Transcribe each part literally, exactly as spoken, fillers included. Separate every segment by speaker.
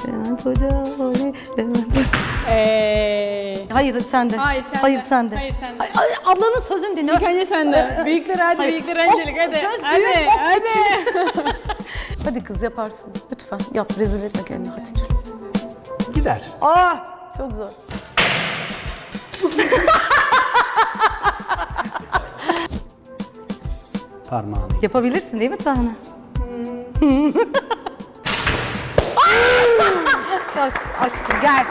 Speaker 1: Levent Hoca, oley, Levent Hoca.
Speaker 2: Eee.
Speaker 1: Hayır sende.
Speaker 2: Hayır sende.
Speaker 1: Hayır sende.
Speaker 2: Hayır sende.
Speaker 1: Ay, ay, ablanın sözünü dinle.
Speaker 2: İlk önce sende. Büyükler hadi,
Speaker 1: Hayır.
Speaker 2: büyükler öncelik hadi.
Speaker 1: Söz
Speaker 2: Hadi,
Speaker 1: büyük, bak
Speaker 2: hadi.
Speaker 1: Hadi kız yaparsın. Lütfen yap, rezil etme kendini. Hadi dur.
Speaker 3: Gider.
Speaker 1: Aa, çok zor.
Speaker 3: Parmağını.
Speaker 1: Yapabilirsin değil mi Tuana? Bas aşkım gel.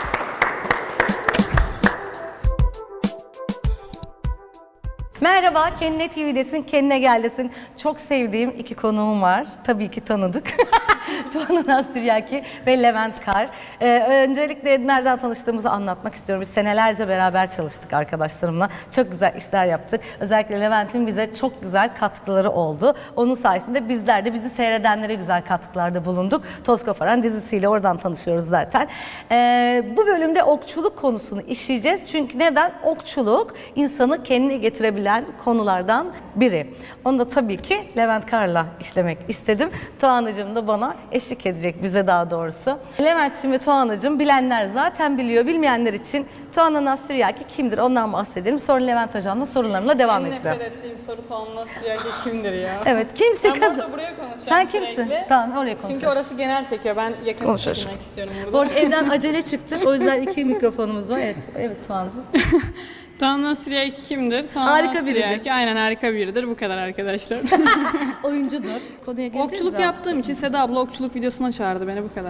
Speaker 1: Merhaba, Kendine T V'desin, Kendine Gel'desin. Çok sevdiğim iki konuğum var. Tabii ki tanıdık. Tuana Nastıriyaki ve Levent Kar. Ee, öncelikle nereden tanıştığımızı anlatmak istiyorum. Biz senelerce beraber çalıştık arkadaşlarımla. Çok güzel işler yaptık. Özellikle Levent'in bize çok güzel katkıları oldu. Onun sayesinde bizler de bizi seyredenlere güzel katkılarda bulunduk. Toz Koparan dizisiyle oradan tanışıyoruz zaten. Ee, bu bölümde okçuluk konusunu işleyeceğiz. Çünkü neden? Okçuluk insanı kendine getirebilen konulardan biri. Onu da tabii ki Levent Kar'la işlemek istedim. Tuğan'cığım da bana eşlik edecek, bize daha doğrusu. Levent'ciğim ve Tuğan'cığım bilenler zaten biliyor, bilmeyenler için Tuana Nastıriyaki kimdir ondan bahsedelim. Sonra Levent Hocam'la sorularımla devam
Speaker 2: En
Speaker 1: edeceğim.
Speaker 2: nefret ettiğim soru Tuana Nastıriyaki kimdir ya?
Speaker 1: Evet, kimse
Speaker 2: Ben
Speaker 1: kazı.
Speaker 2: burada buraya konuşacağım
Speaker 1: Sen
Speaker 2: sürekli.
Speaker 1: kimsin? Tamam, oraya konuşalım.
Speaker 2: Çünkü orası genel çekiyor. Ben yakın
Speaker 1: Konuşalım.
Speaker 2: çekilmek istiyorum
Speaker 1: Bu
Speaker 2: burada.
Speaker 1: arada evden acele çıktık. O yüzden iki mikrofonumuz var. Evet, evet Tuğan'cığım.
Speaker 2: Tuana Nastıriyaki kimdir? Tuana
Speaker 1: Harika
Speaker 2: Nastıriyaki,
Speaker 1: biridir.
Speaker 2: Aynen harika biridir. Bu kadar arkadaşlar.
Speaker 1: Oyuncudur. Konuya geleceğiz
Speaker 2: Okçuluk
Speaker 1: zaten.
Speaker 2: yaptığım için Seda abla okçuluk videosuna çağırdı beni, bu kadar.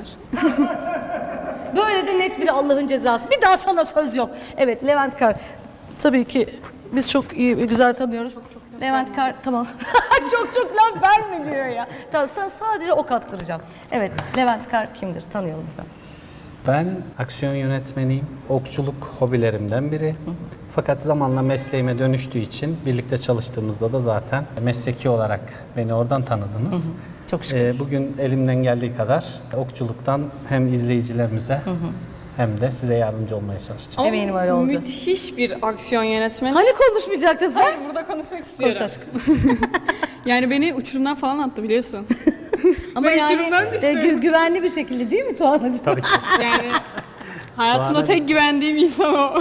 Speaker 1: Böyle de net bir Allah'ın cezası. Bir daha sana söz yok. Evet, Levent Kar. Tabii ki biz çok iyi ve güzel tanıyoruz. Levent Kar, tamam. çok çok laf verme diyor ya. Tamam, sen sadece ok attıracağım. Evet, Levent Kar kimdir? Tanıyalım ben.
Speaker 3: Ben aksiyon yönetmeniyim. Okçuluk hobilerimden biri. Fakat zamanla mesleğime dönüştüğü için birlikte çalıştığımızda da zaten mesleki olarak beni oradan tanıdınız.
Speaker 1: Çok şükür.
Speaker 3: Ee, bugün elimden geldiği kadar okçuluktan hem izleyicilerimize hem de size yardımcı olmaya çalışacağım.
Speaker 2: Ama
Speaker 1: Eminim öyle olacak.
Speaker 2: müthiş bir aksiyon yönetmeni.
Speaker 1: Hani konuşmayacaktın sen?
Speaker 2: Hayır, burada konuşmak istiyorum.
Speaker 1: Konuş aşkım.
Speaker 2: Yani beni uçurumdan falan attı biliyorsun.
Speaker 1: Ama
Speaker 2: Ben
Speaker 1: yani
Speaker 2: uçurumdan
Speaker 1: e,
Speaker 2: düştüm.
Speaker 1: gü- güvenli bir şekilde değil mi Tuğan'cığım?
Speaker 3: Tabii ki.
Speaker 2: Yani hayatımda
Speaker 3: Tuana-
Speaker 2: tek güvendiğim insan o.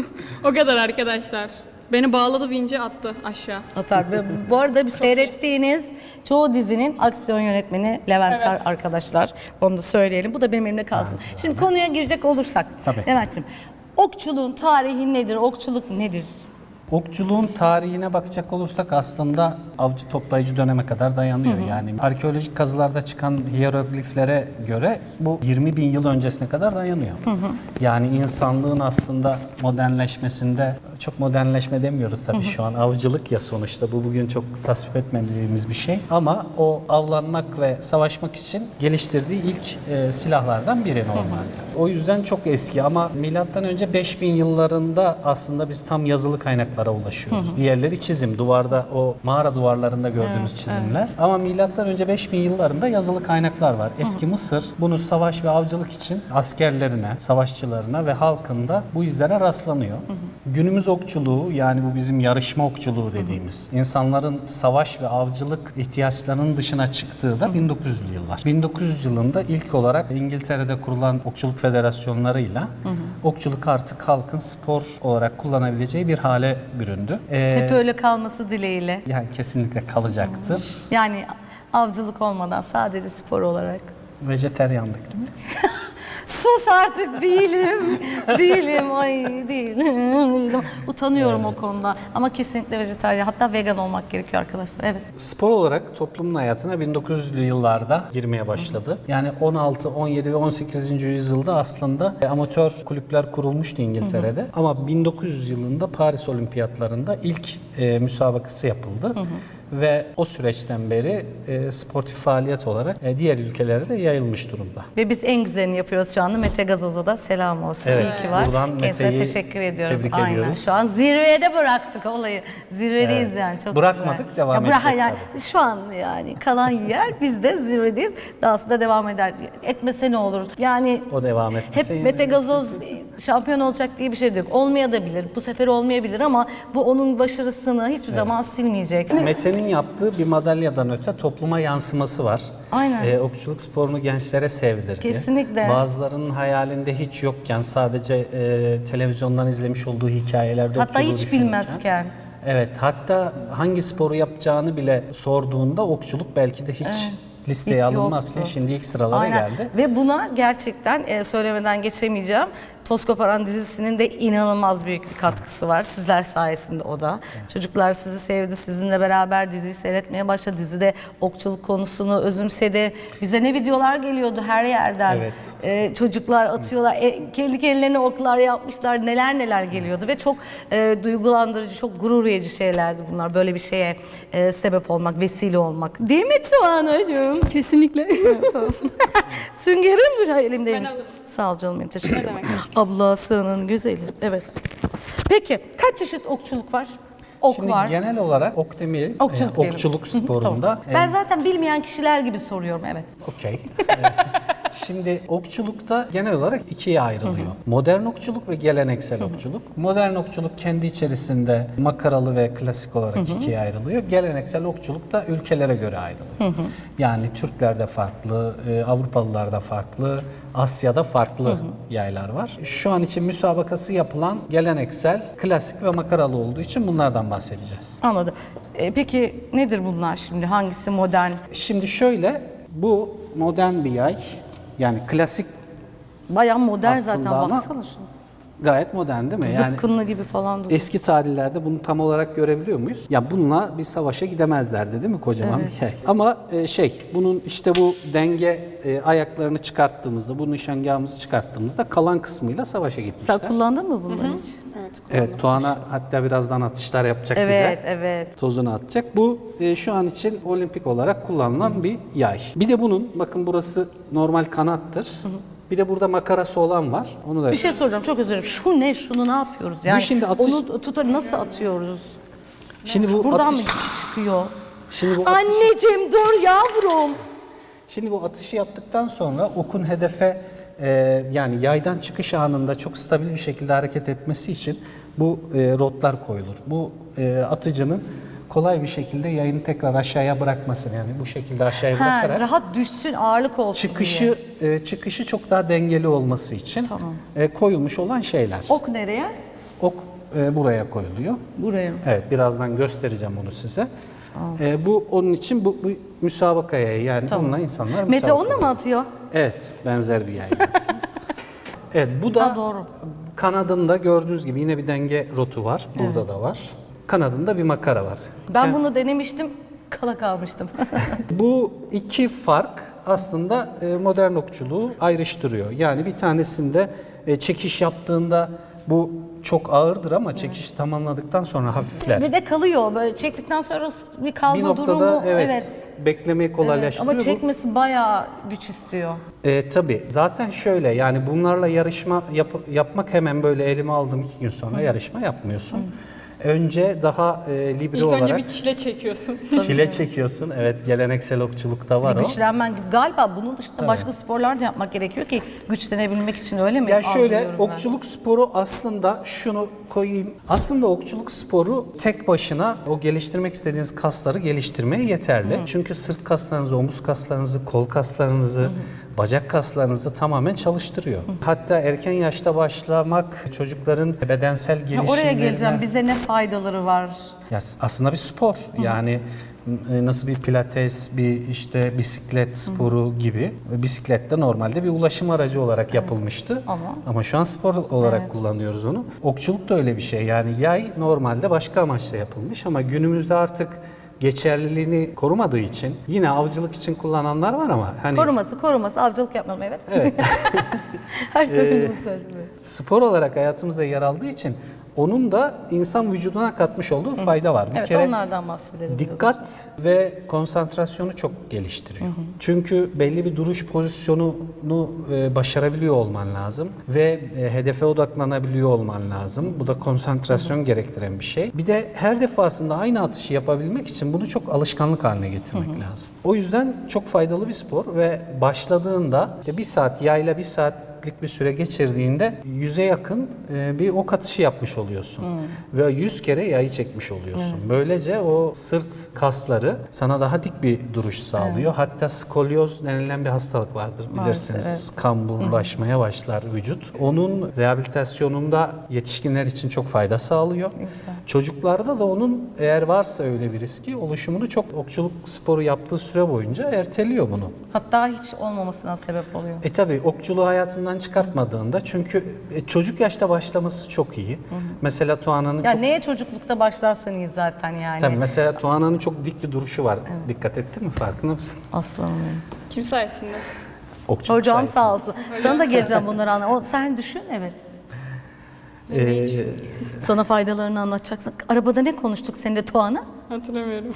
Speaker 2: O kadar arkadaşlar. Beni bağladı bince attı aşağı.
Speaker 1: Atar. Ve bu arada bir seyrettiğiniz çoğu dizinin aksiyon yönetmeni Levent
Speaker 2: Evet.
Speaker 1: Kar arkadaşlar. Onu da söyleyelim. Bu da benim elimde kalsın. Şimdi konuya girecek olursak.
Speaker 3: Tabii.
Speaker 1: Levent'ciğim, okçuluğun tarihi nedir? Okçuluk nedir?
Speaker 3: Okçuluğun tarihine bakacak olursak aslında avcı toplayıcı döneme kadar dayanıyor. Yani arkeolojik kazılarda çıkan hiyerogliflere göre bu yirmi bin yıl öncesine kadar dayanıyor. Yani insanlığın aslında modernleşmesinde, çok modernleşme demiyoruz tabii şu an, avcılık ya sonuçta, bu bugün çok tasvip etmediğimiz bir şey. Ama o avlanmak ve savaşmak için geliştirdiği ilk e, silahlardan biri normalde. O yüzden çok eski ama milattan önce beş bin yıllarında aslında biz tam yazılı kaynaklara ulaşıyoruz. Diğerleri çizim, duvarda o mağara duvarlarında gördüğümüz çizimler. Ama milattan önce beş bin yıllarında yazılı kaynaklar var. Eski Mısır bunu savaş ve avcılık için askerlerine, savaşçılarına ve halkında bu izlere rastlanıyor. Günümüz okçuluğu, yani bu bizim yarışma okçuluğu dediğimiz, insanların savaş ve avcılık ihtiyaçlarının dışına çıktığı da bin dokuz yüzlü yıllar. bin dokuz yüz yılında ilk olarak İngiltere'de kurulan okçuluk federasyonlarıyla hı hı. okçuluk artık halkın spor olarak kullanabileceği bir hale büründü. Ee,
Speaker 1: Hep öyle kalması dileğiyle.
Speaker 3: yani kesinlikle kalacaktır.
Speaker 1: Yani avcılık olmadan sadece spor olarak.
Speaker 3: Vejeteryandık değil mi?
Speaker 1: Sus artık, değilim. değilim. Ay değilim. değilim. Utanıyorum evet. o konuda. Ama kesinlikle vejetaryen, hatta vegan olmak gerekiyor arkadaşlar. Evet.
Speaker 3: Spor olarak toplumun hayatına bin dokuz yüzlü yıllarda girmeye başladı. Yani on altı, on yedi ve on sekizinci yüzyılda aslında amatör kulüpler kurulmuştu İngiltere'de. Hı hı. Ama bin dokuz yüz yılında Paris Olimpiyatlarında ilk e, müsabakası yapıldı. Hı hı. Ve o süreçten beri e, sportif faaliyet olarak e, diğer ülkelere de yayılmış durumda.
Speaker 1: Ve biz en güzelini yapıyoruz şu anda. Mete Gazoz'a da selam olsun.
Speaker 3: Evet,
Speaker 1: İyi ki var.
Speaker 3: buradan
Speaker 1: Kendisine
Speaker 3: Mete'yi
Speaker 1: teşekkür ediyoruz.
Speaker 3: tebrik
Speaker 1: Aynen.
Speaker 3: ediyoruz.
Speaker 1: Şu an zirvede bıraktık olayı. Zirvedeyiz
Speaker 3: Evet.
Speaker 1: yani. Çok
Speaker 3: Bırakmadık,
Speaker 1: güzel.
Speaker 3: devam
Speaker 1: ya bırak,
Speaker 3: edecek
Speaker 1: yani,
Speaker 3: tabii.
Speaker 1: Şu an yani kalan yer, biz de zirvedeyiz. Dahası da devam eder. Etmese ne olur? Yani
Speaker 3: O devam
Speaker 1: hep
Speaker 3: etmese
Speaker 1: Mete Gazoz Şampiyon olacak diye bir şey de yok. Olmayabilir, bu sefer olmayabilir ama bu onun başarısını hiçbir zaman silmeyecek.
Speaker 3: Mete'nin yaptığı bir madalyadan öte topluma yansıması var.
Speaker 1: Aynen.
Speaker 3: Ee, okçuluk sporunu gençlere sevdirdi.
Speaker 1: Kesinlikle.
Speaker 3: Bazılarının hayalinde hiç yokken sadece e, televizyondan izlemiş olduğu hikayelerde
Speaker 1: Hatta
Speaker 3: okçuluğu
Speaker 1: hiç
Speaker 3: düşünürken.
Speaker 1: bilmezken.
Speaker 3: Evet, hatta hangi sporu yapacağını bile sorduğunda okçuluk belki de hiç listeye
Speaker 1: hiç
Speaker 3: alınmazken
Speaker 1: yoktu.
Speaker 3: şimdi ilk sıralara
Speaker 1: Aynen.
Speaker 3: geldi.
Speaker 1: Ve buna gerçekten e, söylemeden geçemeyeceğim. Toz Koparan dizisinin de inanılmaz büyük bir katkısı var. Sizler sayesinde o da. Çocuklar sizi sevdi. Sizinle beraber diziyi seyretmeye başladı. Dizide okçuluk konusunu özümsedi. Bize ne videolar geliyordu her yerden.
Speaker 3: Evet.
Speaker 1: E, çocuklar atıyorlar. E, kendi kendilerine oklar yapmışlar. Neler neler geliyordu. Ve çok e, duygulandırıcı, çok gurur verici şeylerdi bunlar. Böyle bir şeye e, sebep olmak, vesile olmak. Değil mi Tuğan'cığım?
Speaker 2: Kesinlikle.
Speaker 1: Süngerim dur elimdeymiş.
Speaker 2: Ben alırım.
Speaker 1: Sağ ol canım benim, teşekkür ederim.
Speaker 2: demek?
Speaker 1: Ablasının güzeli. Evet. Peki kaç çeşit okçuluk var? Ok
Speaker 3: Şimdi
Speaker 1: var.
Speaker 3: genel olarak ok demeyelim,
Speaker 1: Okçuluk
Speaker 3: e,
Speaker 1: diyelim.
Speaker 3: okçuluk
Speaker 1: Hı hı,
Speaker 3: sporunda.
Speaker 1: tamam. Ben zaten bilmeyen kişiler gibi soruyorum, evet.
Speaker 3: Okey. Evet. Şimdi okçulukta genel olarak ikiye ayrılıyor. Modern okçuluk ve geleneksel okçuluk. Modern okçuluk kendi içerisinde makaralı ve klasik olarak ikiye ayrılıyor. Geleneksel okçuluk da ülkelere göre ayrılıyor. Yani Türklerde farklı, e, Avrupalılarda farklı, Asya'da farklı yaylar var. Şu an için müsabakası yapılan geleneksel, klasik ve makaralı olduğu için bunlardan bahsedeceğiz.
Speaker 1: Anladım. E, peki nedir bunlar şimdi? Hangisi modern?
Speaker 3: Şimdi şöyle, bu modern bir yay. Yani klasik
Speaker 1: Bayağı modern zaten,
Speaker 3: Aslında ama-
Speaker 1: baksana şuna.
Speaker 3: gayet modern değil mi? Yani
Speaker 1: Zıpkınlı gibi falan duruyor.
Speaker 3: eski tarihlerde bunu tam olarak görebiliyor muyuz? Ya bununla bir savaşa gidemezlerdi değil mi? Kocaman bir yay. Ama e, şey, bunun işte bu denge e, ayaklarını çıkarttığımızda, bu nişangahımızı çıkarttığımızda kalan kısmıyla savaşa gitmişler.
Speaker 1: Sen kullandın mı bunları hiç?
Speaker 3: Evet, Tuana hatta birazdan atışlar yapacak
Speaker 1: Evet,
Speaker 3: bize.
Speaker 1: evet.
Speaker 3: Tozunu atacak. Bu e, şu an için olimpik olarak kullanılan bir yay. Bir de bunun, bakın burası normal kanattır. Bir de burada makarası olan var. Onu da
Speaker 1: Bir şey soracağım, çok özür dilerim. Şu ne? Şunu ne yapıyoruz? Yani
Speaker 3: şimdi atış-
Speaker 1: onu tutar nasıl atıyoruz?
Speaker 3: Şimdi bu
Speaker 1: Buradan
Speaker 3: atış,
Speaker 1: mı çıkıyor?
Speaker 3: şimdi bu atış,
Speaker 1: Anneciğim dur yavrum.
Speaker 3: şimdi bu atışı yaptıktan sonra okun hedefe e, yani yaydan çıkış anında çok stabil bir şekilde hareket etmesi için bu e, rotlar koyulur. Bu e, atıcının kolay bir şekilde yayını tekrar aşağıya bırakmasın, yani bu şekilde aşağıya
Speaker 1: Ha,
Speaker 3: bırakarak
Speaker 1: rahat düşsün, ağırlık olsun diye.
Speaker 3: çıkışı e, çıkışı çok daha dengeli olması için
Speaker 1: Tamam.
Speaker 3: e, koyulmuş olan şeyler.
Speaker 1: Ok nereye?
Speaker 3: Ok e, buraya koyuluyor.
Speaker 1: Buraya.
Speaker 3: Evet, birazdan göstereceğim onu size. E, bu onun için bu, bu müsabakaya, yani bununla insanlar
Speaker 1: Mete
Speaker 3: müsabaka
Speaker 1: onunla mı atıyor?
Speaker 3: Evet, benzer bir yay. Evet, bu da
Speaker 1: Ha, doğru.
Speaker 3: kanadında gördüğünüz gibi yine bir denge rotu var. Burada da var. Kanadında bir makara var.
Speaker 1: Ben bunu denemiştim, kala kalmıştım.
Speaker 3: Bu iki fark aslında e, modern okçuluğu ayrıştırıyor. Yani bir tanesinde e, çekiş yaptığında bu çok ağırdır ama çekişi tamamladıktan sonra hafifler.
Speaker 1: Ve de kalıyor, böyle çektikten sonra bir kalma
Speaker 3: Bir noktada
Speaker 1: durumu.
Speaker 3: evet, beklemeyi
Speaker 1: Evet,
Speaker 3: kolaylaştırıyor.
Speaker 1: ama
Speaker 3: Bu-
Speaker 1: çekmesi bayağı güç istiyor.
Speaker 3: E, tabii. Zaten şöyle, yani bunlarla yarışma yap- yapmak hemen böyle elime aldım iki gün sonra yarışma yapmıyorsun. Önce daha e, libre
Speaker 2: İlk
Speaker 3: olarak
Speaker 2: önce bir çile çekiyorsun.
Speaker 3: çile çekiyorsun. Evet, geleneksel okçulukta var o.
Speaker 1: Güçlenmen gibi. Galiba bunun dışında başka sporlar da yapmak gerekiyor ki güçlenebilmek için, öyle mi?
Speaker 3: Ya şöyle,
Speaker 1: Algılıyorum ben.
Speaker 3: okçuluk sporu aslında, şunu koyayım. Aslında okçuluk sporu tek başına o geliştirmek istediğiniz kasları geliştirmeye yeterli. Çünkü sırt kaslarınızı, omuz kaslarınızı, kol kaslarınızı, bacak kaslarınızı tamamen çalıştırıyor. Hatta erken yaşta başlamak çocukların bedensel
Speaker 1: Ha,
Speaker 3: gelişimlerine...
Speaker 1: oraya geleceğim. Bize ne faydaları var?
Speaker 3: Ya aslında bir spor. Yani e, nasıl bir pilates, bir işte bisiklet sporu gibi. Bisiklet de normalde bir ulaşım aracı olarak yapılmıştı.
Speaker 1: Ama-
Speaker 3: Ama şu an spor olarak kullanıyoruz onu. Okçuluk da öyle bir şey. Yani yay normalde başka amaçla yapılmış ama günümüzde artık geçerliliğini korumadığı için yine avcılık için kullananlar var ama hani
Speaker 1: Koruması, koruması, avcılık yapmam, evet.
Speaker 3: Evet.
Speaker 1: Her seferinde bunu söyleyeceğim.
Speaker 3: spor olarak hayatımızda yer aldığı için onun da insan vücuduna katmış olduğu fayda var. Bir
Speaker 1: Evet,
Speaker 3: kere
Speaker 1: onlardan bahsedelim.
Speaker 3: dikkat ve konsantrasyonu çok geliştiriyor. Çünkü belli bir duruş pozisyonunu e, başarabiliyor olman lazım ve e, hedefe odaklanabiliyor olman lazım. Bu da konsantrasyon gerektiren bir şey. Bir de her defasında aynı atışı yapabilmek için bunu çok alışkanlık haline getirmek lazım. O yüzden çok faydalı bir spor ve başladığında işte bir saat yayla bir saat takiplik bir süre geçirdiğinde yüze yakın e, bir ok atışı yapmış oluyorsun. Ve yüz kere yayı çekmiş oluyorsun. Böylece o sırt kasları sana daha dik bir duruş sağlıyor. Hatta skolyoz denilen bir hastalık vardır bilirsiniz.
Speaker 1: Maalesef,
Speaker 3: Kamburlaşmaya başlar vücut. Onun rehabilitasyonunda yetişkinler için çok fayda sağlıyor. Çocuklarda da onun eğer varsa öyle bir riski oluşumunu çok okçuluk sporu yaptığı süre boyunca erteliyor bunu.
Speaker 1: Hatta hiç olmamasına sebep oluyor.
Speaker 3: E tabi okçuluğu hayatından çıkartmadığında çünkü e, çocuk yaşta başlaması çok iyi. Mesela Tuana'nın
Speaker 1: Ya
Speaker 3: çok
Speaker 1: neye çocuklukta başlarsan iyi zaten yani.
Speaker 3: tabii mesela Tuana'nın çok dik bir duruşu var. Dikkat ettin mi? Farkında mısın?
Speaker 1: Aslanım benim.
Speaker 2: Kim sayesinde?
Speaker 3: Okçuluk
Speaker 1: Hocam
Speaker 3: sayesinde.
Speaker 1: sağ olsun. Sana da geleceğim bunları anla. O, sen düşün evet.
Speaker 3: Ee,
Speaker 1: Sana faydalarını anlatacaksın. Arabada ne konuştuk seninle Tuana?
Speaker 2: Hatırlamıyorum.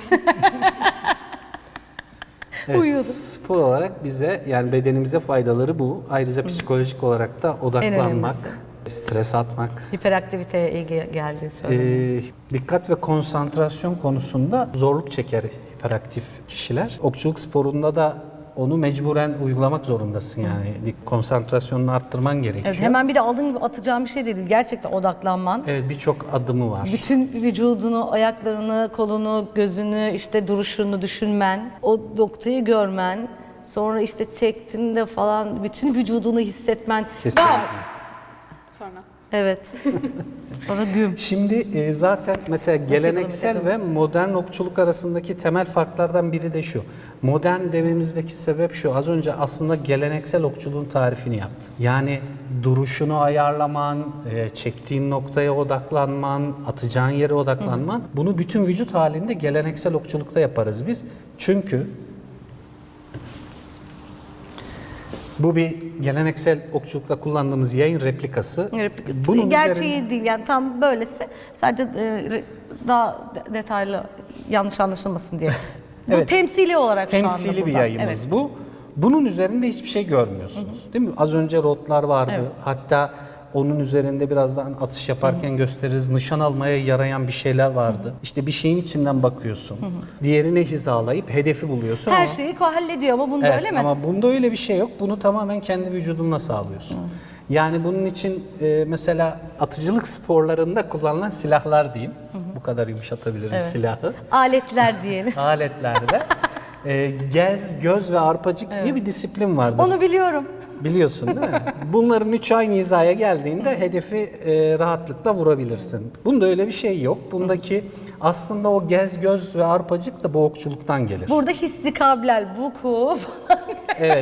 Speaker 3: evet,
Speaker 1: Uyuyordu.
Speaker 3: spor olarak bize yani bedenimize faydaları bu. Ayrıca psikolojik olarak da odaklanmak, stres atmak,
Speaker 1: Hiperaktiviteye iyi ge- geldi söyle.
Speaker 3: Ee, dikkat ve konsantrasyon konusunda zorluk çeker hiperaktif kişiler. Okçuluk sporunda da onu mecburen uygulamak zorundasın yani. Dik- Konsantrasyonunu arttırman gerekiyor.
Speaker 1: Evet, hemen bir de aldığın gibi atacağın bir şey de değil. Gerçekten odaklanman.
Speaker 3: Evet, birçok adımı var.
Speaker 1: Bütün vücudunu, ayaklarını, kolunu, gözünü, işte duruşunu düşünmen, o noktayı görmen, sonra işte çektiğinde falan bütün vücudunu hissetmen.
Speaker 3: Kesinlikle.
Speaker 2: Sonra.
Speaker 1: Evet. Sonra güm.
Speaker 3: Şimdi e, zaten mesela geleneksel ve modern okçuluk arasındaki temel farklardan biri de şu. Modern dememizdeki sebep şu. Az önce aslında geleneksel okçuluğun tarifini yaptın. Yani duruşunu ayarlaman, e, çektiğin noktaya odaklanman, atacağın yere odaklanman. Bunu bütün vücut halinde geleneksel okçulukta yaparız biz. Çünkü bu bir geleneksel okçulukta kullandığımız yayın replikası.
Speaker 1: Replik-
Speaker 3: Bunun
Speaker 1: Gerçeği
Speaker 3: üzerine-
Speaker 1: değil yani tam böylesi. Sadece e, re- daha de- detaylı yanlış anlaşılmasın diye. Bu
Speaker 3: Evet.
Speaker 1: temsili olarak şu anda
Speaker 3: temsili bir
Speaker 1: burada.
Speaker 3: yayımız
Speaker 1: Evet.
Speaker 3: bu. Bunun üzerinde hiçbir şey görmüyorsunuz. Değil mi? Az önce rotlar vardı.
Speaker 1: Evet.
Speaker 3: Hatta onun üzerinde birazdan atış yaparken gösteririz. Nişan almaya yarayan bir şeyler vardı. İşte bir şeyin içinden bakıyorsun. Diğerine hizalayıp hedefi buluyorsun.
Speaker 1: Her
Speaker 3: ama,
Speaker 1: şeyi hallediyor ama bunda
Speaker 3: Evet,
Speaker 1: öyle mi?
Speaker 3: ama bunda öyle bir şey yok. Bunu tamamen kendi vücudunla sağlıyorsun. Yani bunun için e, mesela atıcılık sporlarında kullanılan silahlar diyeyim. Bu kadar yumuşatabilirim silahı.
Speaker 1: Aletler diyelim.
Speaker 3: Aletlerde e, gez, göz ve arpacık diye bir disiplin vardır.
Speaker 1: Onu biliyorum.
Speaker 3: Biliyorsun değil mi? Bunların üçü aynı hizaya geldiğinde hedefi e, rahatlıkla vurabilirsin. Bunda öyle bir şey yok. Bundaki aslında o gez, göz ve arpacık da bu okçuluktan gelir.
Speaker 1: Burada hissi kablel, vuku falan.
Speaker 3: Evet.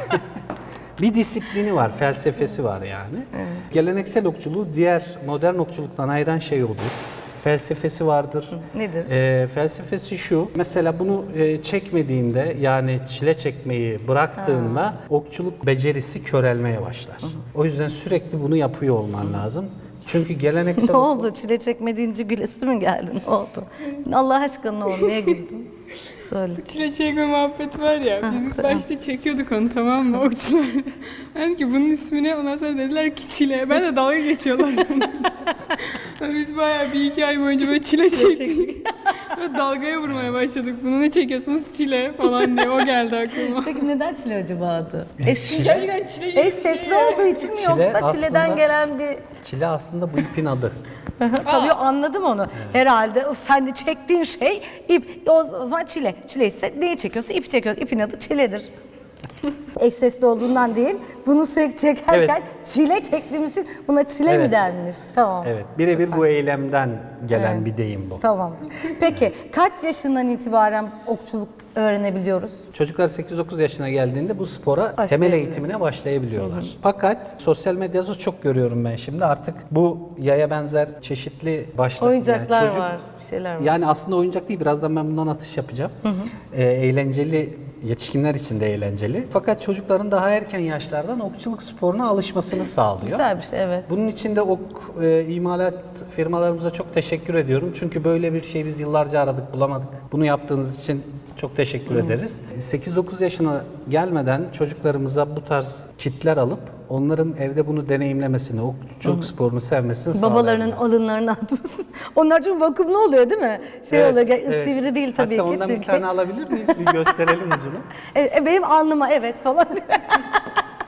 Speaker 3: Bir disiplini var, felsefesi var yani. Geleneksel okçuluğu diğer modern okçuluktan ayıran şey odur. Felsefesi vardır.
Speaker 1: Nedir?
Speaker 3: Ee, felsefesi şu, mesela bunu e, çekmediğinde yani çile çekmeyi bıraktığında okçuluk becerisi körelmeye başlar. O yüzden sürekli bunu yapıyor olman lazım. Çünkü geleneksel
Speaker 1: Ne oldu? Çile çekme deyince gülesi mi geldi? Ne oldu? Allah aşkına ne oldu? Niye güldün? Söyle.
Speaker 2: Çile çekme muhabbeti var ya. Biz ilk başta çekiyorduk onu, tamam mı, okçular? Ben ki bunun ismini, ondan sonra dediler ki çile. Ben de dalga geçiyorlar. Biz bayağı bir iki ay boyunca böyle çile çektik. Böyle dalgaya vurmaya başladık. Bunu ne çekiyorsunuz, çile falan diye. O geldi aklıma.
Speaker 1: Peki neden çile acaba adı?
Speaker 3: E,
Speaker 1: Eş,
Speaker 3: çile-
Speaker 2: Gerçekten çile
Speaker 1: eş sesli olduğu için mi
Speaker 3: Çile
Speaker 1: yoksa
Speaker 3: aslında-
Speaker 1: çileden gelen bir...
Speaker 3: Çile aslında bu ipin adı.
Speaker 1: Tabii anladım onu. Herhalde o sen de çektiğin şey ip. O zaman çile. Çile ise neyi çekiyorsa ipi çekiyorsun. İpin adı çiledir. Eş sesli olduğundan değil. Bunu sürekli çekerken
Speaker 3: Evet.
Speaker 1: çile çektiğimiz için buna çile mi
Speaker 3: Evet.
Speaker 1: denmiş? Tamam.
Speaker 3: Evet, birebir bu eylemden gelen bir deyim bu.
Speaker 1: Tamamdır. Peki kaç yaşından itibaren okçuluk öğrenebiliyoruz?
Speaker 3: Çocuklar sekiz dokuz yaşına geldiğinde bu spora temel
Speaker 1: Başlayabiliyor.
Speaker 3: eğitimine başlayabiliyorlar. Fakat sosyal medyada çok görüyorum ben şimdi artık bu yaya benzer çeşitli başlık.
Speaker 1: Oyuncaklar
Speaker 3: yani çocuk-
Speaker 1: var, bir şeyler var.
Speaker 3: Yani aslında oyuncak değil, birazdan ben bundan atış yapacağım. Ee, eğlenceli, yetişkinler için de eğlenceli. Fakat çocukların daha erken yaşlardan okçuluk sporuna alışmasını sağlıyor.
Speaker 1: Güzel bir şey, evet.
Speaker 3: Bunun için de ok e, imalat firmalarımıza çok teşekkür ediyorum. Çünkü böyle bir şey biz yıllarca aradık, bulamadık. Bunu yaptığınız için çok teşekkür ederiz. sekiz dokuz yaşına gelmeden çocuklarımıza bu tarz kitler alıp onların evde bunu deneyimlemesini, okçuluk sporunu sevmesini
Speaker 1: Babalarının
Speaker 3: sağlayabiliriz.
Speaker 1: alınlarını atmasın. Onlar çok vakumlu oluyor değil mi? Şey
Speaker 3: Evet,
Speaker 1: oluyor, ge-
Speaker 3: evet.
Speaker 1: sivri değil tabii
Speaker 3: Hatta
Speaker 1: ki.
Speaker 3: ondan bir
Speaker 1: çünkü-
Speaker 3: tane alabilir miyiz? Bir gösterelim ucunu.
Speaker 1: E, e, benim alnıma evet falan.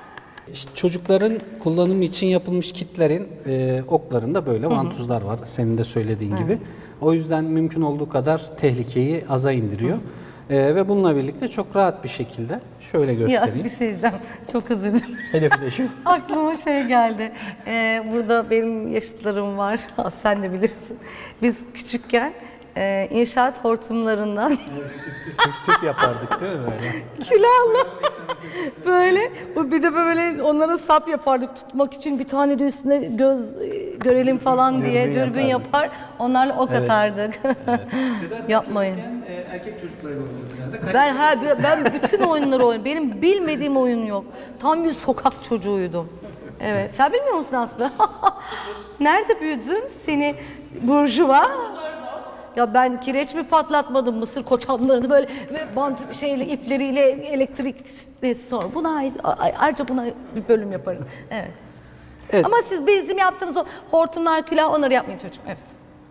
Speaker 3: İşte çocukların kullanımı için yapılmış kitlerin e, oklarında böyle vantuzlar var. Senin de söylediğin gibi. O yüzden mümkün olduğu kadar tehlikeyi aza indiriyor. E, ve bununla birlikte çok rahat bir şekilde şöyle
Speaker 1: Ya
Speaker 3: göstereyim.
Speaker 1: bir şey diyeceğim. Çok özür dilerim.
Speaker 3: Hedefi de şu.
Speaker 1: Aklıma şey geldi. Ee, burada benim yaşıtlarım var. Sen de bilirsin. Biz küçükken e, inşaat hortumlarından
Speaker 3: Tüf tüf yapardık değil mi böyle?
Speaker 1: külahla böyle bu bir de böyle onlara sap yapardık tutmak için bir tane de üstüne göz e, görelim falan diye
Speaker 3: Dürbün
Speaker 1: dürbün
Speaker 3: yapardık.
Speaker 1: yapar. Onlarla ok atardık. Yapmayın.
Speaker 4: erkek çocuklarıyla oynuyoruz genelde.
Speaker 1: Ben ha ben bütün oyunları oynadım. Benim bilmediğim oyun yok. Tam bir sokak çocuğuydum. Evet. Sen bilmiyor musun Aslı? Nerede büyüdün? Seni burjuva. Ya ben kireç mi patlatmadım mısır koçanlarını böyle ve bant şeyle ipleriyle elektrik sonra buna ait- ayrıca buna bir bölüm yaparız. Evet.
Speaker 3: Evet.
Speaker 1: Ama siz bizim yaptığımız o hortumlar, külah onları yapmayın çocuğum. Evet.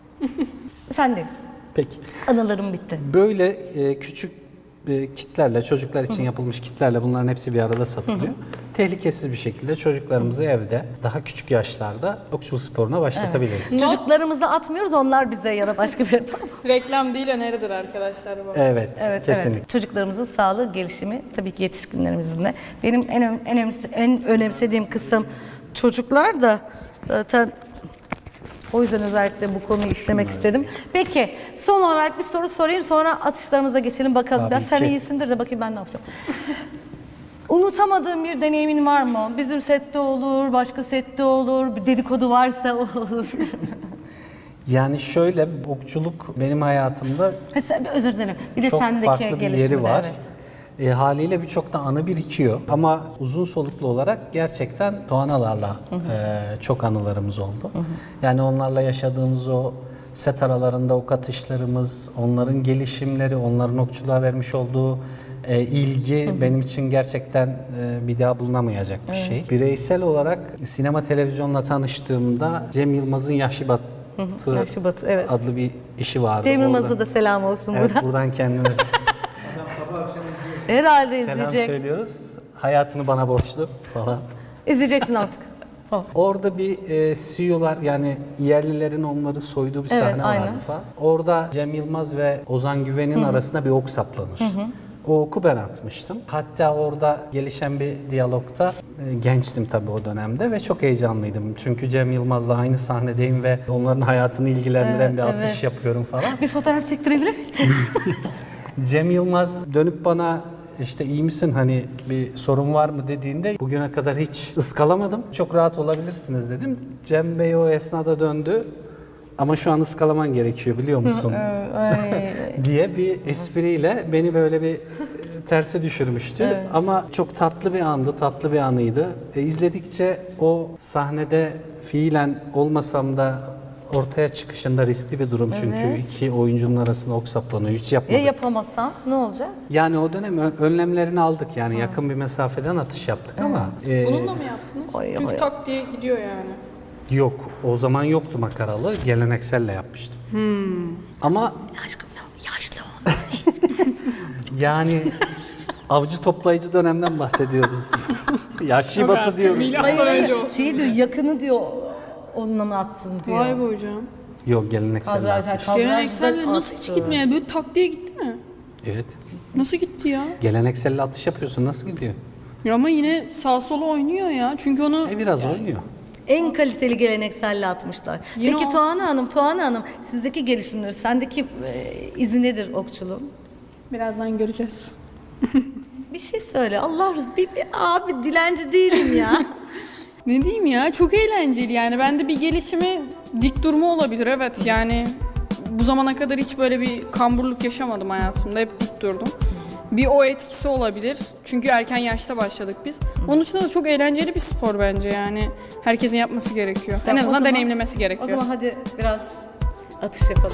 Speaker 1: Sen de.
Speaker 3: Peki.
Speaker 1: Anılarım bitti.
Speaker 3: Böyle e, küçük e, kitlerle, çocuklar için yapılmış kitlerle bunların hepsi bir arada satılıyor. Tehlikesiz bir şekilde çocuklarımızı evde daha küçük yaşlarda okçuluk sporuna başlatabiliriz.
Speaker 1: Çocuklarımızı atmıyoruz, onlar bize ya da başka bir yere.
Speaker 2: Reklam değil öneridir arkadaşlar bu.
Speaker 3: Evet,
Speaker 1: Evet,
Speaker 3: kesinlikle.
Speaker 1: evet. Çocuklarımızın sağlığı, gelişimi tabii ki yetişkinlerimizin de. Benim en ö- en, önemse- en önemsediğim kısım çocuklar da zaten o yüzden özellikle bu konuyu işlemek istedim. Peki son olarak bir soru sorayım sonra atışlarımıza geçelim bakalım.
Speaker 3: Tabii
Speaker 1: Ya sen
Speaker 3: ki.
Speaker 1: iyisindir de bakayım ben ne yapacağım. Unutamadığın bir deneyimin var mı? Bizim sette olur, başka sette olur, bir dedikodu varsa olur.
Speaker 3: Yani şöyle, okçuluk benim hayatımda
Speaker 1: Ha, sen- özür dilerim. Bir de
Speaker 3: çok
Speaker 1: sendeki
Speaker 3: farklı bir yeri
Speaker 1: gelişimde,
Speaker 3: var.
Speaker 1: evet.
Speaker 3: E, haliyle birçok da anı birikiyor. Ama uzun soluklu olarak gerçekten Doğanalarla e, çok anılarımız oldu. Yani onlarla yaşadığımız o set aralarında ok atışlarımız, onların gelişimleri, onların okçuluğa vermiş olduğu e, ilgi benim için gerçekten e, bir daha bulunamayacak bir şey. Bireysel olarak sinema televizyonla tanıştığımda Cem Yılmaz'ın Yahşi Batı
Speaker 1: Yahşi Batı, evet.
Speaker 3: adlı bir işi vardı.
Speaker 1: Cem
Speaker 3: Orada-
Speaker 1: Yılmaz'a da selam olsun
Speaker 3: Evet,
Speaker 1: buradan.
Speaker 3: buradan kendime
Speaker 1: Herhalde
Speaker 3: selam
Speaker 1: izleyecek.
Speaker 3: söylüyoruz. Hayatını bana borçlu falan.
Speaker 1: İzleyeceksin artık. Falan.
Speaker 3: Orada bir e, C E O'lar yani yerlilerin onları soyduğu bir
Speaker 1: Evet,
Speaker 3: sahne
Speaker 1: aynen.
Speaker 3: vardı falan. Orada Cem Yılmaz ve Ozan Güven'in arasında bir ok saplanır. O oku ben atmıştım. Hatta orada gelişen bir diyalogta e, gençtim tabii o dönemde ve çok heyecanlıydım. Çünkü Cem Yılmaz'la aynı sahnedeyim ve onların hayatını ilgilendiren
Speaker 1: Evet,
Speaker 3: bir atış
Speaker 1: evet.
Speaker 3: yapıyorum falan.
Speaker 1: Bir fotoğraf çektirebilir miyiz?
Speaker 3: Cem Yılmaz dönüp bana işte iyi misin hani bir sorun var mı dediğinde bugüne kadar hiç ıskalamadım. Çok rahat olabilirsiniz dedim. Cem Bey o esnada döndü. Ama şu an ıskalaman gerekiyor biliyor musun?
Speaker 1: Ay.
Speaker 3: diye bir espriyle beni böyle bir e, terse düşürmüştü. Ama çok tatlı bir andı, tatlı bir anıydı. E, izledikçe o sahnede fiilen olmasam da ortaya çıkışında riskli bir durum çünkü
Speaker 1: Evet.
Speaker 3: iki oyuncunun arasında ok saplanıyor. Hiç
Speaker 1: Ya
Speaker 3: yapmadık.
Speaker 1: yapamazsam ne olacak?
Speaker 3: Yani o dönem ö- önlemlerini aldık yani yakın bir mesafeden atış yaptık ama e,
Speaker 2: Bununla mı yaptınız?
Speaker 1: Ay,
Speaker 2: Çünkü
Speaker 1: ay.
Speaker 2: tak diye gidiyor yani.
Speaker 3: yok o zaman yoktu makaralı gelenekselle yapmıştım. Ama
Speaker 1: Aşkım yaşlı ol.
Speaker 3: yani avcı toplayıcı dönemden bahsediyoruz. Yaşlı
Speaker 2: Yok
Speaker 3: batı
Speaker 2: artık,
Speaker 3: diyoruz.
Speaker 2: milattan önce olsun.
Speaker 1: Şey diyor yakını diyor onunla mı attın diyor.
Speaker 2: Vay be hocam.
Speaker 3: Yok gelenekselle
Speaker 1: Kadraj,
Speaker 3: yapmıştım.
Speaker 2: Gelenekselle nasıl hiç
Speaker 1: attı.
Speaker 2: gitmiyor? Yani böyle tak diye gitti mi?
Speaker 3: Evet.
Speaker 2: Nasıl gitti ya?
Speaker 3: Gelenekselle atış yapıyorsun nasıl gidiyor?
Speaker 2: Ya ama yine sağ sola oynuyor ya. Çünkü onu
Speaker 3: E biraz oynuyor.
Speaker 1: En kaliteli gelenekselle atmışlar.
Speaker 2: Yine
Speaker 1: Peki
Speaker 2: o-
Speaker 1: Tuğan'a Hanım, Tuğan'a Hanım sizdeki gelişimleri, sendeki e, izi nedir okçuluğun?
Speaker 2: birazdan göreceğiz.
Speaker 1: Bir şey söyle Allah rızası. Bir, bir, abi dilenci değilim ya.
Speaker 2: Ne diyeyim ya, çok eğlenceli yani. Bende bir gelişimi dik durma olabilir, evet yani. Bu zamana kadar hiç böyle bir kamburluk yaşamadım hayatımda, hep dik durdum. Bir o etkisi olabilir çünkü erken yaşta başladık biz. Onun dışında da çok eğlenceli bir spor bence yani. Herkesin yapması gerekiyor.
Speaker 1: Tamam,
Speaker 2: en
Speaker 1: o
Speaker 2: azından
Speaker 1: zaman-
Speaker 2: deneyimlemesi
Speaker 1: O
Speaker 2: gerekiyor.
Speaker 1: zaman hadi biraz atış yapalım.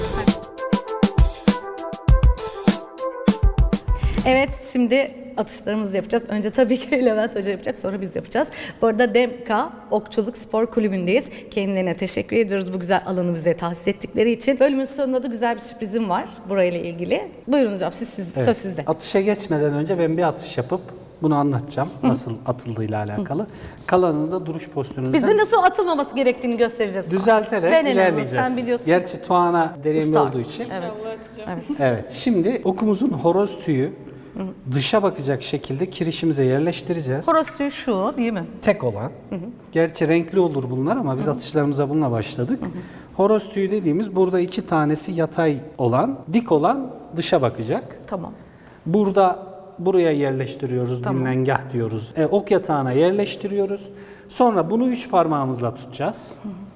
Speaker 1: Evet, şimdi atışlarımızı yapacağız. Önce tabii ki Levent Hoca yapacak, sonra biz yapacağız. Bu arada Demka Okçuluk Spor Kulübü'ndeyiz. Kendilerine teşekkür ediyoruz bu güzel alanı bize tahsis ettikleri için. Bölümün sonunda da güzel bir sürprizim var burayla ilgili. Buyurun hocam, siz, siz, söz sizde.
Speaker 3: Atışa geçmeden önce ben bir atış yapıp Bunu anlatacağım nasıl atıldığıyla alakalı. Kalanını da duruş postürünüzden
Speaker 1: Bize nasıl atılmaması gerektiğini göstereceğiz.
Speaker 3: düzelterek
Speaker 1: Ben en azından,
Speaker 3: ilerleyeceğiz.
Speaker 1: sen biliyorsun.
Speaker 3: Gerçi Tuana deneyimli
Speaker 1: Usta.
Speaker 3: olduğu için.
Speaker 1: Evet.
Speaker 2: Evet.
Speaker 3: Evet. Şimdi okumuzun horoz tüyü dışa bakacak şekilde kirişimize yerleştireceğiz.
Speaker 1: Horoz tüyü şu değil mi?
Speaker 3: Tek olan. Gerçi renkli olur bunlar ama biz atışlarımıza bununla başladık. Horoz tüyü dediğimiz burada iki tanesi yatay olan, dik olan dışa bakacak.
Speaker 1: Tamam.
Speaker 3: Burada buraya yerleştiriyoruz, dinlengah diyoruz. E, ok yatağına yerleştiriyoruz. Sonra bunu üç parmağımızla tutacağız.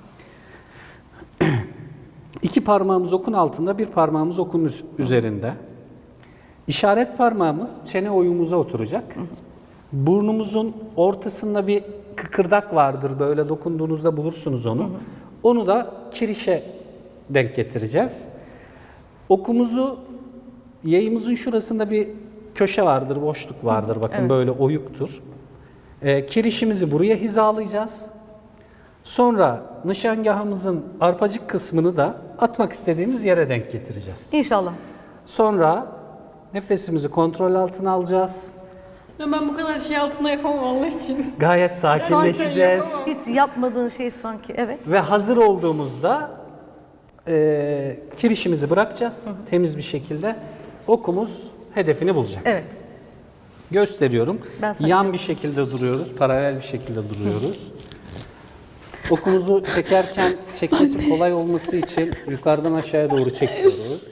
Speaker 3: İki parmağımız okun altında, bir parmağımız okun üz- üzerinde. İşaret parmağımız çene oyumuza oturacak. Burnumuzun ortasında bir kıkırdak vardır. Böyle dokunduğunuzda bulursunuz onu. Onu da kirişe denk getireceğiz. Okumuzu yayımızın şurasında bir köşe vardır, boşluk vardır. Bakın böyle oyuktur. Ee, kirişimizi buraya hizalayacağız. Sonra nişangahımızın arpacık kısmını da atmak istediğimiz yere denk getireceğiz.
Speaker 1: İnşallah.
Speaker 3: Sonra nefesimizi kontrol altına alacağız.
Speaker 2: Ya ben bu kadar şey altında yapamam Allah için.
Speaker 3: Gayet sakinleşeceğiz.
Speaker 1: Hiç yapmadığın şey sanki. Evet.
Speaker 3: Ve hazır olduğumuzda e, kirişimizi bırakacağız temiz bir şekilde. Okumuz hedefini bulacak.
Speaker 1: Evet.
Speaker 3: Gösteriyorum.
Speaker 1: Ben sana
Speaker 3: Yan bir şekilde duruyoruz, paralel bir şekilde duruyoruz. Okumuzu çekerken çekmesi kolay olması için yukarıdan aşağıya doğru çekiyoruz.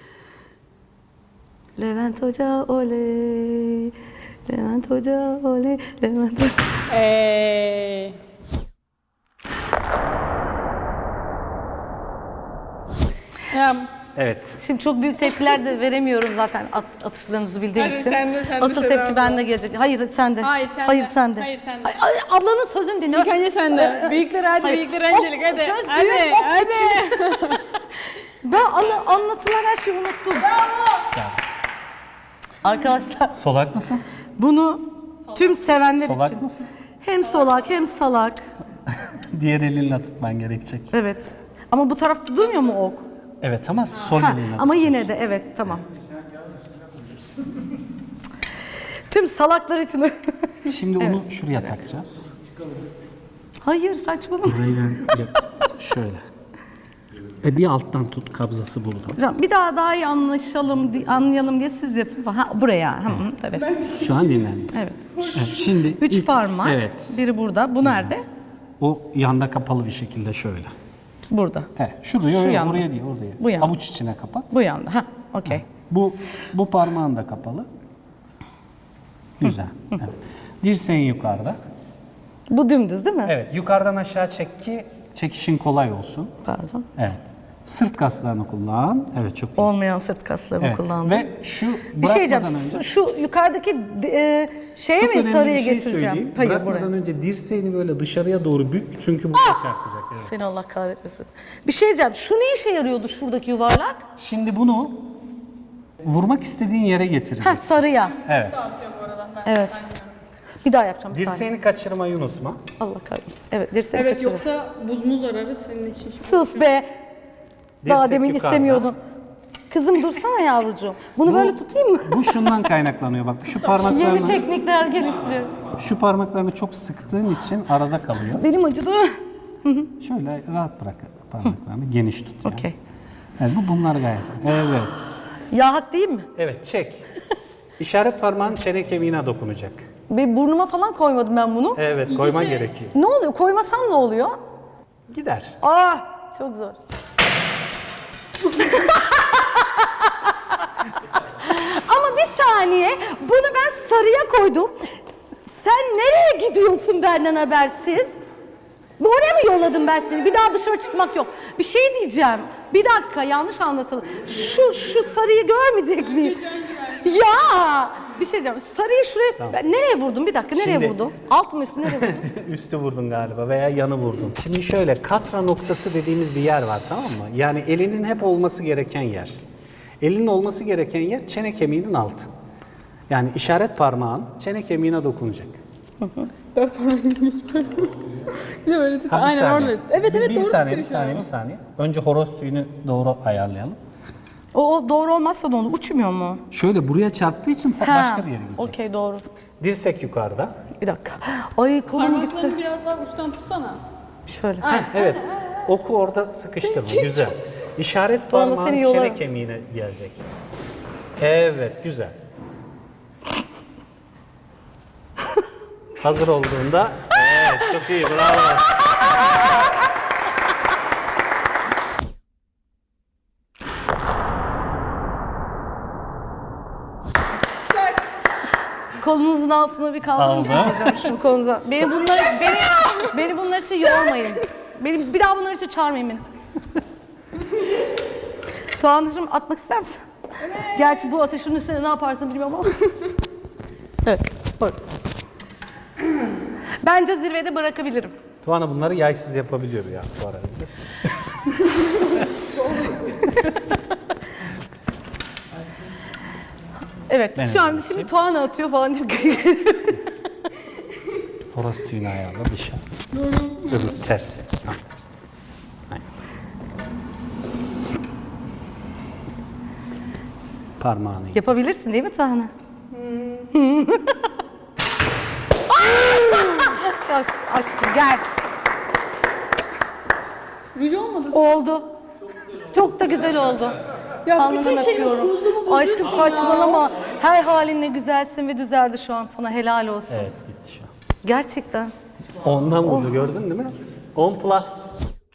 Speaker 1: Levent Hoca oley. Levent Hoca oley. Levent Hoca.
Speaker 2: Eee. Ya
Speaker 3: Evet.
Speaker 1: Şimdi çok büyük tepkiler de veremiyorum zaten at, atışlarınızı bildiğim
Speaker 2: Hadi
Speaker 1: için.
Speaker 2: sen de, sen de
Speaker 1: Asıl
Speaker 2: Seda
Speaker 1: tepki
Speaker 2: abla.
Speaker 1: bende gelecek. Hayır sen de.
Speaker 2: Hayır, sen
Speaker 1: Hayır
Speaker 2: de.
Speaker 1: sen de.
Speaker 2: Hayır, sen de.
Speaker 1: Ay, ay, ablanın sözünü dinle.
Speaker 2: İlk önce sen de. Büyükler hadi,
Speaker 1: Hayır.
Speaker 2: büyükler
Speaker 1: Ok,
Speaker 2: öncelik hadi.
Speaker 1: söz
Speaker 2: hadi,
Speaker 1: büyük, ok
Speaker 2: hadi.
Speaker 1: küçük. Ben anla, anlatılan her şeyi unuttum. Arkadaşlar
Speaker 3: Solak mısın?
Speaker 1: bunu tüm sevenler
Speaker 3: Solak
Speaker 1: için.
Speaker 3: mısın?
Speaker 1: Hem solak hem salak.
Speaker 3: Diğer elinle tutman gerekecek.
Speaker 1: Evet. Ama bu tarafta durmuyor mu ok?
Speaker 3: Evet ama sol
Speaker 1: Ha,
Speaker 3: elinle
Speaker 1: ama
Speaker 3: tut.
Speaker 1: yine de evet tamam. Tüm salaklar için.
Speaker 3: Şimdi onu şuraya takacağız.
Speaker 1: Hayır saçmalama.
Speaker 3: Burayı ben yap- şöyle. E bir alttan tut, kabzası burada.
Speaker 1: Hocam bir daha daha iyi anlaşalım, di- anlayalım diye siz yapın. Ha buraya. Hı, hı, tabii.
Speaker 3: Şu an dinlendi.
Speaker 1: Evet.
Speaker 3: Evet, şimdi
Speaker 1: Üç
Speaker 3: ilk-
Speaker 1: parmak.
Speaker 3: Evet.
Speaker 1: Biri burada. Bu nerede?
Speaker 3: O yanda kapalı bir şekilde şöyle.
Speaker 1: Burada.
Speaker 3: He, şuraya,
Speaker 1: Şu
Speaker 3: yok,
Speaker 1: yanda.
Speaker 3: oraya değil, oraya.
Speaker 1: Bu yanda.
Speaker 3: Avuç içine kapat.
Speaker 1: Bu yanda. Ha, okey.
Speaker 3: Bu bu parmağın da kapalı. Güzel. Evet. Dirseğin yukarıda.
Speaker 1: Bu dümdüz değil mi?
Speaker 3: Evet, yukarıdan aşağı çek ki çekişin kolay olsun.
Speaker 1: Pardon.
Speaker 3: Evet. Sırt kaslarını kullan. Evet, çok iyi.
Speaker 1: Olmayan sırt kaslarımı
Speaker 3: Evet.
Speaker 1: kullandım.
Speaker 3: Ve şu
Speaker 1: bir şey diyeceğim.
Speaker 3: bırakmadan önce
Speaker 1: Şu yukarıdaki e, şeye
Speaker 3: çok
Speaker 1: mi
Speaker 3: önemli
Speaker 1: sarıya
Speaker 3: bir şey
Speaker 1: getireceğim?
Speaker 3: söyleyeyim.
Speaker 1: Hayır
Speaker 3: Bırakmadan
Speaker 1: buraya.
Speaker 3: önce dirseğini böyle dışarıya doğru bük çünkü burada çarpacak. Evet.
Speaker 1: Seni Allah kahretmesin. Bir şey diyeceğim. Şu ne işe yarıyordu şuradaki yuvarlak?
Speaker 3: Şimdi bunu vurmak istediğin yere
Speaker 1: Ha
Speaker 3: getireceksin.
Speaker 1: sarıya.
Speaker 3: Evet.
Speaker 1: Evet. Bir daha yapacağım bir saniye.
Speaker 3: Dirseğini kaçırmayı unutma.
Speaker 1: Allah kahretsin. Evet dirseği
Speaker 2: Evet
Speaker 1: kaçırdım.
Speaker 2: yoksa buz muz ararız senin için.
Speaker 1: Sus be. Daha
Speaker 3: Dirsek
Speaker 1: demin
Speaker 3: yukarıda.
Speaker 1: istemiyordun. Kızım dursana yavrucuğum. Bunu böyle tutayım mı?
Speaker 3: Bu şundan kaynaklanıyor bak. Şu
Speaker 1: Yeni
Speaker 3: parmaklarını
Speaker 1: teknikler geliştiriyorum.
Speaker 3: şu parmaklarını çok sıktığın için arada kalıyor.
Speaker 1: Benim acıdı.
Speaker 3: Şöyle rahat bırak parmaklarını. Geniş tut yani.
Speaker 1: Okey.
Speaker 3: Evet, bu bunlar gayet. Evet.
Speaker 1: Ya hak değil mi?
Speaker 3: Evet, çek. İşaret parmağın çene kemiğine dokunacak.
Speaker 1: Bir burnuma falan koymadım ben bunu.
Speaker 3: Evet, koyman gerekiyor.
Speaker 1: Ne oluyor? Koymasam ne oluyor?
Speaker 3: Gider.
Speaker 1: Ah çok zor. Ama bir saniye bunu ben sarıya koydum. Sen nereye gidiyorsun benden habersiz? Oraya mı yolladım ben seni? Bir daha dışarı çıkmak yok. Bir şey diyeceğim. Bir dakika yanlış anlatıldı. Şu şu sarıyı görmeyecek miyim? Ya bir şey diyeceğim. Sarıyı şuraya ben nereye vurdum? Bir dakika nereye
Speaker 3: Şimdi-
Speaker 1: vurdum? Alt mı üst mü nereye vurdum?
Speaker 3: Üstü vurdun galiba veya yanı vurdun. Şimdi şöyle katra noktası dediğimiz bir yer var, tamam mı? Yani elinin hep olması gereken yer. Elinin olması gereken yer çene kemiğinin altı. Yani işaret parmağın çene kemiğine dokunacak.
Speaker 2: Dört parmak gibi hiç böyle. Bir de böyle tut.
Speaker 3: Ha, bir
Speaker 2: Aynen
Speaker 3: saniye.
Speaker 2: orada tut. Evet
Speaker 3: Bir-
Speaker 2: evet
Speaker 3: bir
Speaker 2: doğru
Speaker 3: saniye, bir
Speaker 2: tutuyor
Speaker 3: saniye, bir saniye. Önce horoz tüyünü doğru ayarlayalım.
Speaker 1: O, o doğru olmazsa da onu uçmuyor mu?
Speaker 3: Şöyle buraya çarptığı için fa- başka bir yere gidecek.
Speaker 1: Okey doğru.
Speaker 3: Dirsek yukarıda.
Speaker 1: Bir dakika. Ay kolum gitti.
Speaker 2: Parmaklarını biraz daha uçtan tutsana.
Speaker 1: Şöyle.
Speaker 3: Heh, evet. Oku orada sıkıştırma. Güzel. İşaret
Speaker 1: Tuana
Speaker 3: parmağın
Speaker 1: seni
Speaker 3: çene
Speaker 1: yolarım.
Speaker 3: kemiğine gelecek. Evet, güzel. Hazır olduğunda, evet çok iyi, bravo.
Speaker 1: Kolunuzun altına bir kaldırın
Speaker 3: Aldı.
Speaker 1: hocam şu kolunuza. Beni bunlar beni beni bunlar için yormayın. Beni bir daha bunlar için çağırmayın beni. Tuğan'cığım atmak ister misin? Gerçi bu ateşin üstüne ne yaparsın bilmiyorum ama. Evet. Bak. Bence zirvede bırakabilirim.
Speaker 3: Tuana bunları yaysız yapabiliyor ya bu arada.
Speaker 1: Evet.
Speaker 3: Ben
Speaker 1: şu an
Speaker 3: öyle
Speaker 1: şimdi
Speaker 3: yapayım.
Speaker 1: Tuğan atıyor falan diyor.
Speaker 3: Horoz tüyünü ayarla bir şey. Öbür tersi. Ha. Aynen. Parmağını yap.
Speaker 1: Yapabilirsin değil mi Tuğan'a? As- Aşkım gel.
Speaker 2: Ruj olmadı.
Speaker 1: Oldu. Çok da güzel oldu.
Speaker 2: Ya
Speaker 1: Alnından öpüyorum. Aşkım saçmalama. Her halinle güzelsin ve düzeldi şu an sana. Helal olsun.
Speaker 3: Evet gitti şu an.
Speaker 1: Gerçekten.
Speaker 3: Ondan vurdu gördün değil mi? on plus.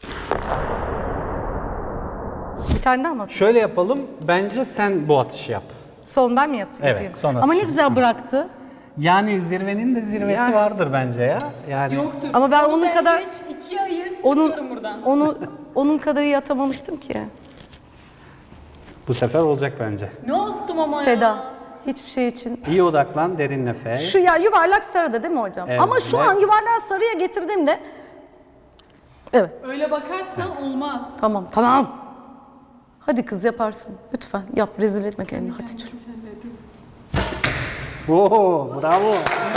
Speaker 1: Bir tane daha mı atayım?
Speaker 3: Şöyle yapalım. Bence sen bu atışı yap.
Speaker 1: Son ben mi yat-
Speaker 3: Evet,
Speaker 1: yapayım?
Speaker 3: son
Speaker 1: Ama ne
Speaker 3: atışımız.
Speaker 1: güzel bıraktı.
Speaker 3: Yani zirvenin de zirvesi
Speaker 1: Yani-
Speaker 3: vardır bence ya. Yani
Speaker 2: Yoktur.
Speaker 1: Ama ben
Speaker 2: Onu
Speaker 1: onun
Speaker 2: bence
Speaker 1: kadar-
Speaker 2: hiç ikiye ayır,
Speaker 1: Onun
Speaker 2: çıkıyorum buradan.
Speaker 1: onu onun kadar iyi atamamıştım ki.
Speaker 3: bu sefer olacak bence.
Speaker 2: Ne attım ama
Speaker 1: Seda.
Speaker 2: ya.
Speaker 1: Hiçbir şey için.
Speaker 3: İyi odaklan, derin nefes.
Speaker 1: Şu ya yuvarlak sarıda değil mi hocam?
Speaker 3: Evet.
Speaker 1: Ama şu an yuvarlak sarıya getirdiğimde evet.
Speaker 2: Öyle bakarsan olmaz.
Speaker 1: Tamam, tamam. Hadi kız yaparsın. Lütfen yap. Rezil etme kendini. Hadi çocuğum.
Speaker 3: Oo, bravo.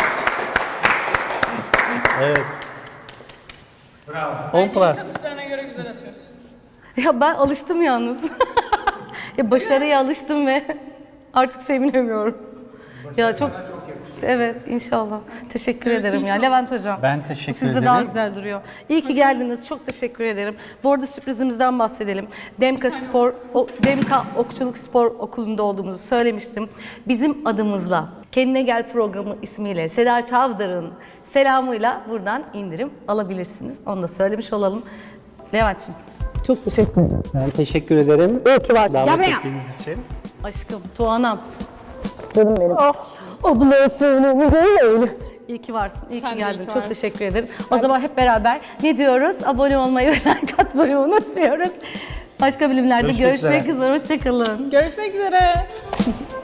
Speaker 3: Evet.
Speaker 4: Bravo.
Speaker 3: on plus.
Speaker 2: Atışlarına göre güzel atıyorsun.
Speaker 1: Ya ben alıştım yalnız. ya başarıya alıştım ve artık sevinemiyorum. Ya çok Evet inşallah. Teşekkür ederim ya Levent hocam.
Speaker 3: Ben teşekkür
Speaker 1: Bu sizde
Speaker 3: ederim.
Speaker 1: daha güzel duruyor. İyi ki geldiniz. Çok teşekkür ederim. Bu arada sürprizimizden bahsedelim. Demka Spor o, Demka Okçuluk Spor Okulu'nda olduğumuzu söylemiştim. Bizim adımızla Kendine Gel programı ismiyle Seda Çavdar'ın selamıyla buradan indirim alabilirsiniz. Onu da söylemiş olalım. Levent'ciğim çok teşekkür ederim.
Speaker 3: Ben teşekkür ederim.
Speaker 1: İyi ki varsın.
Speaker 3: Davet
Speaker 1: Gel buraya.
Speaker 3: ettiğiniz için.
Speaker 1: Aşkım, Tuğanam. Benim benim. Oh, ablasını öyle. İyi ki varsın, iyi
Speaker 2: Sen
Speaker 1: ki
Speaker 2: de
Speaker 1: geldin.
Speaker 2: iyi ki
Speaker 1: Çok
Speaker 2: varsın.
Speaker 1: teşekkür ederim. O zaman hep beraber ne diyoruz? Abone olmayı ve like atmayı unutmuyoruz. Başka bölümlerde
Speaker 3: Görüşmek
Speaker 1: görüşmek
Speaker 3: üzere.
Speaker 1: üzere. Hoşçakalın.
Speaker 2: Görüşmek üzere.